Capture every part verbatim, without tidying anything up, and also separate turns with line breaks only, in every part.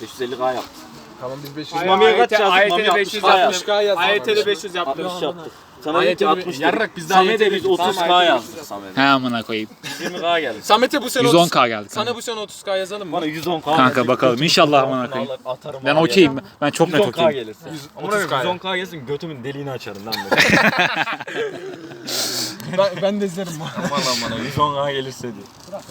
beş yüz elli K yaptık.
Tamam biz beş yüz.
Mami'ye kaç yazdık? Mami
beş yüz
altmış K yazdık.
A Y T'de beş yüz yaptım.
altmış yaptık. Sana dedik ki altmış
Yarrak biz de
Samet'e biz otuz K yazdık Samet'e.
He amına koyayım.
yirmi K geldi.
Samet'e bu sene
yüz on
otuz
K geldi.
Sana bu sene otuz K yazalım mı?
Bana yüz on K.
Kanka bakalım inşallah amına koyayım. Ben okeyim. Ben çok net
yüz on K
okeyim.
gelirse.
otuz K.
yüz on K gelsin götümün deliğini açarım lan.
ben, ben de izlerim bu.
Aman lan bana yüz on K gelirse diyor.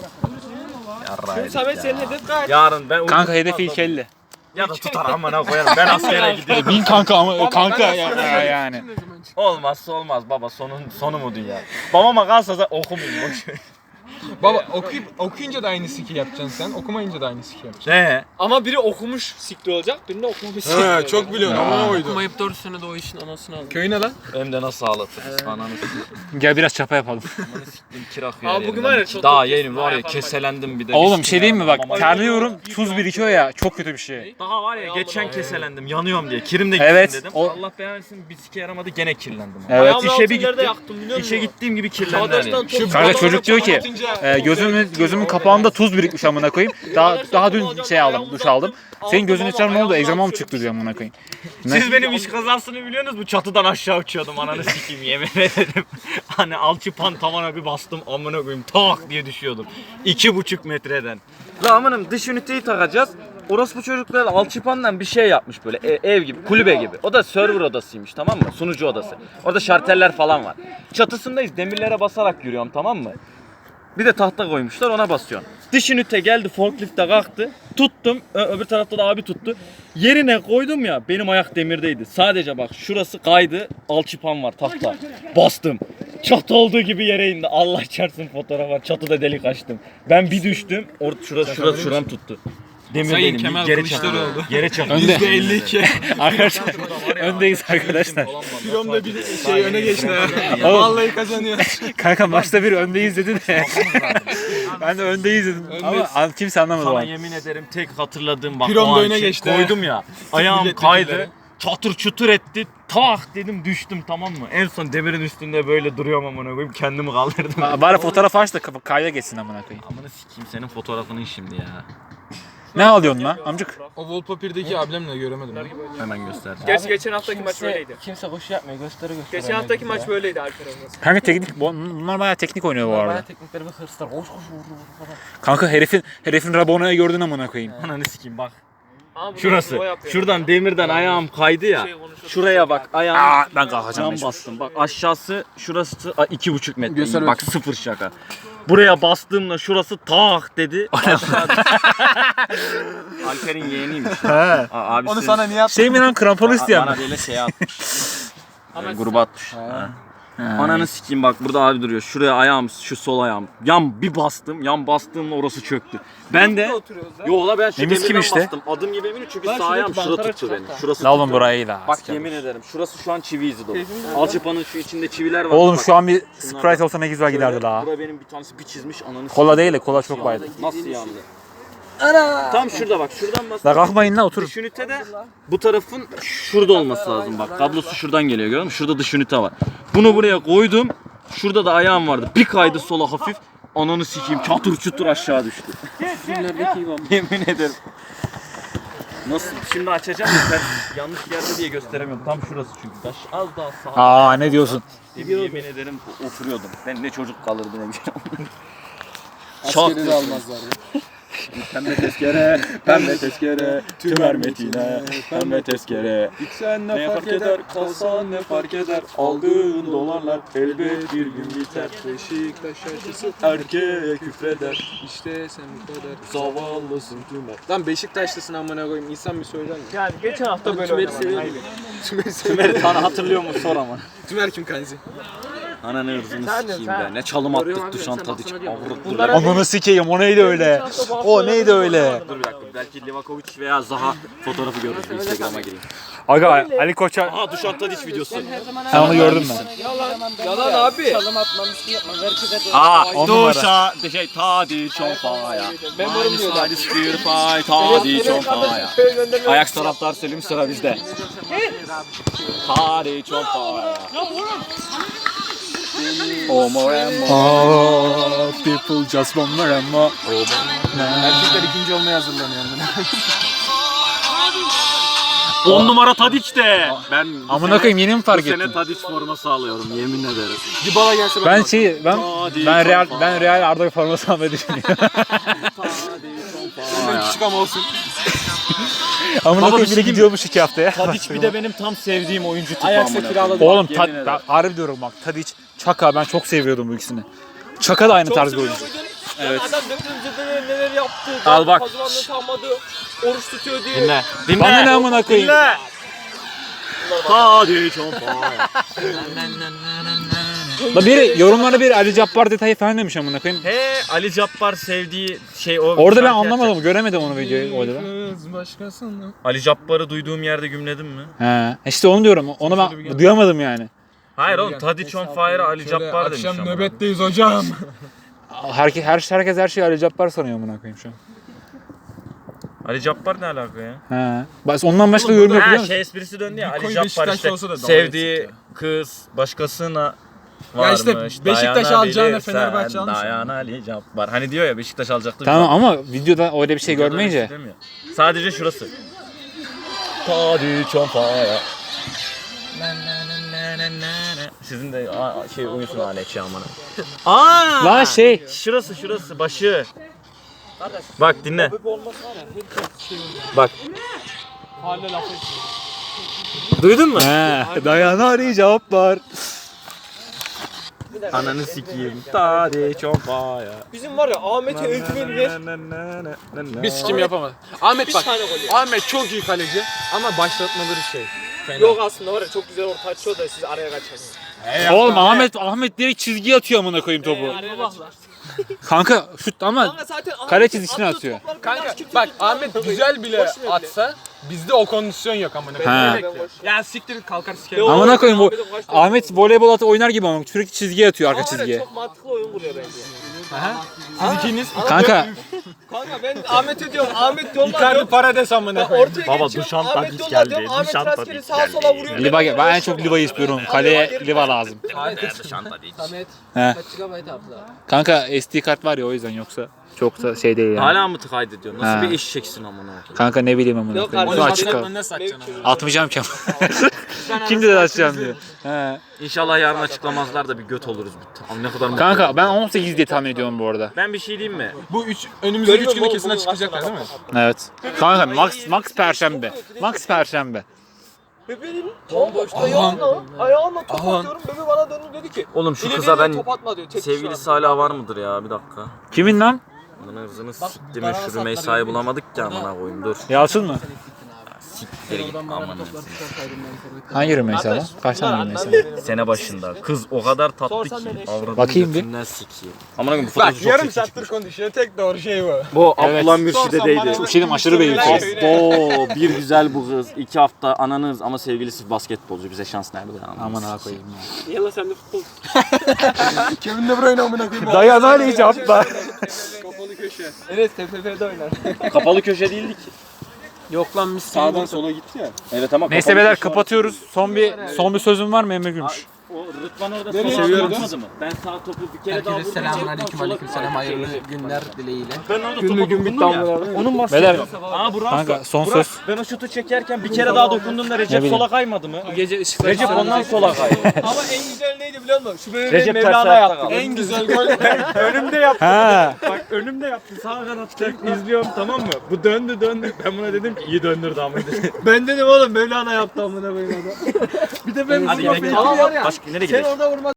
Yarraydı.
Samet senin hedef kaç?
Yarın ben
Kanka hedefi ilk elli.
ya da tutar amına koyarım. Ben askere gidiyorum.
Bin kanka ama kanka ya, yani.
Olmazsa olmaz baba sonun sonu mu dünya? Babama kalsa da okumayayım boş ver.
Baba okuyup okuyunca da aynı siki yapacaksın sen. Okumayınca da aynı siki yapacaksın.
Ne?
Ama biri okumuş sikli olacak, birinde okumamış sikli olacak.
He çok biliyorsun ama oydu.
Okumayıp dört senede o işin anasını aldım.
Köyüne lan.
Hem de nasıl ağlatırız ananı sikeyim.
Gel biraz çapa yapalım.
Ananı sikeyim kirak
Abi
yer
bugün
yerim.
var ya çok
Daha
çok
yerim var ya
yapan
keselendim bir de.
Oğlum
Mis
şey diyeyim mi bak
gibi
terliyorum tuz birikiyor ya çok kötü bir şey.
Daha var ya geçen keselendim yanıyorum diye kirim de
Evet,
gitsin dedim.
o-
Allah belanı versin bir sike yaramadı gene kirlendim.
Evet.
Ayağımın
İşe bir
altınları da
gittim.
yaktım biliyor musun?
İşe gittiğim gibi kirlendi
Çağdaş'tan
hani.
top-
Kanka çocuk diyor ki e, gözümün gözümün kapağında tuz birikmiş amına koyayım. Daha daha dün şey aldım duş aldım. Senin gözün içeri ne oldu? Egzama mı çıktı diyor amına koyayım.
Siz benim iş kazasını biliyorsunuz mu? Çatıdan aşağı uçuyordum ananı sikeyim yemin ederim. Hani alçıpan tavana bir bastım amına koyayım tak diye düşüyordum. İki buçuk metreden. La amanım dış üniteyi takacağız. Orospu çocuklar alçıpandan bir şey yapmış böyle e- ev gibi, kulübe gibi. O da server odasıymış tamam mı? Sunucu odası. Orada şarteller falan var. Çatısındayız demirlere basarak yürüyorum tamam mı? Bir de tahta koymuşlar ona basıyorsun. Dış ünite geldi forklifte kalktı. Tuttum. Ö- öbür tarafta da abi tuttu. Yerine koydum ya benim ayak demirdeydi. Sadece bak şurası kaydı. Alçıpan var tahta. Bastım. Çatı olduğu gibi yere indi. Allah çarpsın fotoğraf var. Çatıda delik açtım. Ben bir düştüm. Orada şurası şurası şuram tuttu. Demir
Sayın
benim.
Kemal
Geri
Kılıçdaroğlu.
çakıldı. Geri çakıldı.
Önde.
yüzde elli iki.
Arkadaşlar öndeyiz arkadaşlar.
Filmde bir şey öne geçti ha.
Oğlum.
Vallahi kazanıyor.
Kanka maçta bir öndeyiz dedi de. Ben de öndeyiz dedim. Ama an- kimse anlamadı o
Sana
an.
yemin ederim tek hatırladığım bak
Piron
o
da
an
öne
şey
geçti ha.
koydum ya. Ayağım
milletvekilleri.
kaydı. Çatır çutur etti. Tak dedim düştüm tamam mı? En son demirin üstünde böyle duruyorum amına koyayım kendimi kaldırdım.
Ba- Bari fotoğraf aç da kapa- kayda geçsin amına koyayım.
Amına sikeyim senin fotoğrafını şimdi ya.
Ne alıyorsun lan amcık?
O wallpaper'daki ablemle göremedim.
Hemen göster.
Gerçi geçen haftaki maç böyleydi.
Kimse koşu yapmıyor, gösteri gösteri.
Geçen haftaki maç böyleydi Alper Olmaz.
Kanka teknik bu- bunlar bayağı teknik oynuyor bu arada.
Bayağı teknikleri ve hırslar. Koş koş vur vur falan.
Kanka herifin herifin Rabona'yı gördün amına koyayım.
Ananı sikeyim bak.
Ama bunu
Şurası.
o yapıyor.
Şuradan demirden ayağım kaydı ya.
Şey konuşuyor.
Şuraya bak ayağım.
Aa ben kalkacağım.
Cam
mecbur.
bastım. Bak aşağısı şurası a, iki buçuk metre.
Göster
Bak sıfır şaka. Buraya bastığımda şurası tak dedi. Aşağı düştü. Alper'in yeğeniymiş.
He.
A- abisi,
Onu sana niye yaptın?
Şey mi lan kramponu isteyen
bana
mi?
böyle şey atmış. Yani gruba atmış. Ha. Ananı sikeyim bak burada abi duruyor. Şuraya ayağım, şu sol ayağım. Yan bir bastım. Yan bastığımda orası çöktü. Ben de yo la ben şu
Temiz kim
demirden
işte?
bastım. Adım gibi eminim çünkü
Lan
sağ ayağım
şuradaki
şurada
bantlara
tuttu
çıkart
beni.
da.
Şurası
La oğlum
tuttu.
burayı da.
Bak yemin ederim şurası şu an çivi izi dolu. Alçıpanın şu içinde çiviler var.
Oğlum
Bak,
şu an bir
şunlar
Sprite
bak.
olsa ne güzel giderdi
Şöyle,
la.
Bura benim bir tanesi bir çizmiş ananı
Kola değil de kola çok baydı.
Nasıl yandı? Tam şurada bak şuradan bas.
La kalkmayın la oturun.
Dış ünite de bu tarafın şurada olması lazım bak. Kablosu şuradan geliyor gördün mü? Şurada dış ünite var. Bunu buraya koydum. Şurada da ayağım vardı. Bir kaydı sola hafif. Ananı sikeyim çatır çutur aşağı düştü. Yemin ederim. Nasıl? Şimdi açacağım da ben yanlış yerde diye gösteremiyorum. Tam şurası çünkü. Taş az daha sağ.
Aa ne diyorsun?
Yemin ederim oturuyordum. Ben ne çocuk kalırdı ne güzel.
Askeri de almazlar.
Pembe tezkere, pembe tezkere, tümer metine, pembe tezkere.
Gitsen
Ne fark eder, kalsan ne fark eder, aldığın dolarlar elbet bir gün biter.
Beşiktaş şarkısı.
Erkeğe küfreder,
İşte sen bu kadar.
zavallısın tümer.
Lan Beşiktaşlısın amına koyayım. İnsan bir söyler mi?
Yani geçen hafta böyle
Tümer'i
oynaman.
seviyorum. Tümer'i
Tümer'i
seviyorum.
sana hatırlıyor musun sor ama.
Tümer kim kanzi?
Ananı ırzını
Sen de,
sikeyim
sen.
be, ne çalım attık
Görüyorum abi,
duşan
sen
tadı
baksana
çık.
diyorum.
Avruk
Bunlara-
dur.
Ananı sikeyim o neydi öyle? O neydi öyle?
Dur bir dakika, belki Livakovic veya Zaha fotoğrafı görürüz. Bir Instagram'a gireyim.
Aga Ali Koç'a
Aha Duşan Tadic videosu.
sen onu gördün mü?
Yalan abi.
Çalım atmam, bir şey yapmam. Herkese de.
Aa,
On numara.
Duşa, de şey Tadic on fire.
Ben varım diyor lan.
Minus bir fire, Tadic on fire. Ajax taraftar Selim sıra bizde. Tadic on fire. Omo Emmo.
Oh, people just want more and more.
Erkekler ikinci olmaya hazırlanıyor.
on numara Tadiç de. Ben bu
Amına
sene-
koyayım yeni mi
bu
fark
sene
ettin?
Tadiç forması alıyorum yemin ederim.
Dybala gelse
Ben şey ben
Tadiç,
ben Real
Tadiç.
ben Real Arda forması almayı düşünüyorum.
benden küçük ama olsun.
Amına
Baba, bir
koyayım
şey
biri
diyeyim
gidiyormuş iki haftaya.
Tadiç bir de benim tam sevdiğim oyuncu tipi
Ajax'a
amına
kiraladım.
koyayım.
Oğlum
Yemin
ta,
ederim.
ben harbi diyorum bak Tadiç, Çaka ben çok seviyordum bu ikisini. Çaka da aynı tarz bir oyuncu.
Evet. Adam döndüğümüzde neler, neler yaptı.
Al bak.
Kazımanlığı kalmadı. Oruç tutuyor diye.
Dinle. Dinle.
Bana ne amına koyayım?
Dinle. Tadiç on fire.
Da biri yorumlara bir Ali Cabbar detayı falan demiş amına koyayım.
He Ali Cabbar sevdiği şey o.
Orada ben
şarkı
anlamadım, göremedim onu videoyu orada. ben.
Kız başkasını.
Ali Cabbar'ı duyduğum yerde gümledim mi?
He. İşte onu diyorum. Onu ben duyamadım yani.
Hayır oğlum Tadiç on fire Ali Cabbar demiş
Akşam
ama.
nöbetteyiz hocam.
Herkes her herkes her şeyi Ali Cabbar sanıyor amına koyayım şu an.
Ali Cabbar ne alaka ya?
He. Bas ondan başka yorum yok biliyor
Ha
musun?
şey esprisi döndü ya
Bir
Ali
koyu
Cabbar
Beşiktaşlı
işte
olsa da dalga
sevdiği
geçecek
kız başkasına
Ya
varmış.
işte Beşiktaş alacağına Fenerbahçe almış.
Dayan Ali Cabbar. Hani diyor ya Beşiktaş alacaktı.
Tamam ama videoda öyle bir şey
Videoda
görmeyince.
öyle bir şey demiyor. Sadece şurası. Tadiç on fire. Sizin de aa, şey uyusun Alex ya amına. Aa!
La şey.
Şurası şurası başı. Bak dinle. Bak.
Hala laf etmiyor.
Duydun mu?
He. Dayan Ali Cabbar.
Ananı sikeyim. Tadiç on fire.
Bizim var ya Ahmet'e özgüveni ver.
Biz sikim yapamadık. Ahmet
Bir
bak.
tane gol ya.
Ahmet çok iyi kaleci ama başlatmaları şey. Fena.
Yok aslında var ya çok güzel orta açıyor da siz araya kaçırdınız.
Oğlum Ahmet Ahmet direkt çizgiye atıyor amına koyayım topu.
Araya kaçırdılar.
Kanka şut ama
Kanka zaten Ahmet'in
kale çizgisine
attığı
atıyor.
toplar
Kanka
biraz kimse
bak
tutmaz.
Ahmet güzel bile
Boş ver bile.
atsa bizde o kondisyon yok amına
Ha.
koyayım. Ya siktir git, kalkar sikerim.
Yok.
amına koyayım bu
Ahmet'in kaç tane-
Ahmet voleybol atı oynar gibi ama sürekli çizgiye atıyor arka
Ama var ya,
çizgiye.
çok mantıklı oyun kuruyor bence.
Siz ikiniz
Kanka
Kanka ben Ahmet'e diyorum Ahmet yolla
Icardi
diyorum.
Parades amına
Ben
koyayım.
ortaya
Baba,
geçiyorum,
Dušan
Ahmet
Tadić
yolla
geldi,
diyorum, Ahmet
Dušan
rastgele
Tadić
sağa sola vuruyor.
Liva ben en çok Liva'yı istiyorum. Kaleye Liva lazım.
Samet.
He.
Kaç gigabayt abla?
Kanka S D kart var ya o yüzden yoksa çok da şey değil yani.
Hala mı kaydediyor? Nasıl
Ha.
bir eşeksin amına koyayım?
Kanka ne bileyim amına
Yok
koyayım.
kardeşim,
Bunu açık kal.
Ne satacaksın amına?
Atmayacağım ki ama. Kim dedi açacağım diyor. He.
İnşallah yarın açıklamazlar da bir göt oluruz. Abi ne kadar mutlu
Kanka
oldum.
ben on sekiz diye tahmin ediyorum bu arada.
Ben bir şey diyeyim mi?
Bu üç önümüzdeki üç
Görüyorum
günde
oğlum,
kesin
bugün
açıklayacaklar değil mi?
Evet. Kanka max max perşembe. Max perşembe.
Bebeğin ayağına, ayağına top atıyorum. Bebe bana döndü dedi ki.
Oğlum şu
"İleriye
kıza ben
top atma" diyor. Tek
sevgilisi
kişi var.
hala var mıdır ya bir dakika.
Kimin lan?
Bunun hırzını siktim mi şu Rümeysa'yı bulamadık ki amına koyayım dur.
Yalçın mı?
Siktir git amına.
Hangi Rümeysa lan? Kaç tane Rümeysa?
Sene başında kız o kadar tatlı ki avradını
Bakayım bir.
götünden sikeyim. Amına koyayım bu fotoğrafı
Bak
çok
yarım
çirkin
saattir
çıkmış.
konuşuyor. Tek doğru şey bu.
Bu
Evet.
Abdullah
Sorsam
Mürşide'deydi.
bana-
Çok şeyim aşırı beğeniyorum.
Oo bir güzel bu kız. iki hafta ananız ama sevgilisi basketbolcu. Bize şans nerede ya?
Aman ha koyayım ya.
Yalla sen de futbol.
Kevin De Bruyne amına koyayım.
Dayan Ali Cabbar.
Kapalı köşe. Evet T F F'de oynar.
Kapalı köşe değildik.
Yok lan mis.
Sağdan sola gitti ya.
Evet ama
Neyse beyler kapatıyoruz. Son bir son bir sözüm var mı Emre Gümüş?
O Rıdvan orada
Nereye
sola
gidiyordu?
atmadı mı? Ben sağ topu bir kere daha
Herkese
vurdum.
selamun aleyküm aleyküm selam hayırlı günler dileğiyle.
Ben orada topa dokundum ya. Onun
Beyler
bahsediyorum. Aa Burak.
kanka son
Burak,
söz.
ben o şutu çekerken bir kere daha dokundum da Recep
bileyim.
sola kaymadı mı?
Gece ışıklar.
Recep ondan sola kaydı.
Ama en güzel neydi biliyor musun? Şu bebeği
Recep ters
Mevlana
ayakta
yaptı.
kaldı.
En güzel gol.
Önümde yaptı.
Ha.
Bak önümde yaptı. Sağ kanatta izliyorum tamam mı? Bu döndü döndü. Ben buna dedim ki iyi döndürdü ama.
Ben dedim oğlum Mevlana yaptı amına koyayım adam. Bir de ben
Hadi
vurma
gidelim.
falan var ya.
Başka nereye
Sen
gidelim?
orada vurma